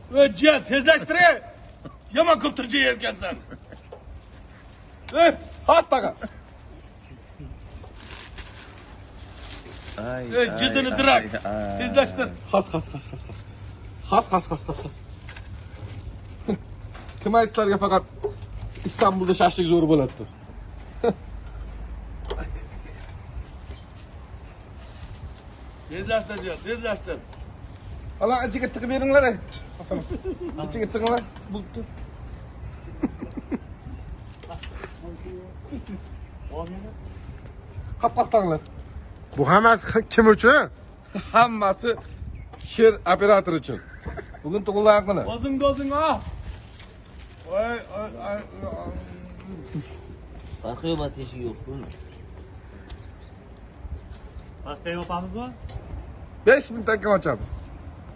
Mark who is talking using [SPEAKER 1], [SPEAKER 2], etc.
[SPEAKER 1] Cihan tezleştire. Yaman kopturcu yerken sen.
[SPEAKER 2] Hastaga.
[SPEAKER 1] Cüzdünü dırak. Tezleştir.
[SPEAKER 2] Has. Kim aytlarga faqat İstanbul'da şaşlık zoru bo'ladi.
[SPEAKER 1] Tezleştir Cihan tezleştir.
[SPEAKER 2] Ala ichiga tiqib beringlar. İchiga tiqinglar. Bu Qapqaqtanglar.
[SPEAKER 3] Bu hammasi kim uchun?
[SPEAKER 2] Hammasi kir operator uchun. Bugun tug'ilgan kuni.
[SPEAKER 1] Dozing ah.
[SPEAKER 4] Bakıyorum ateşi yok.
[SPEAKER 5] Pastayı yapamız mı?
[SPEAKER 2] 5000 taka ochamiz.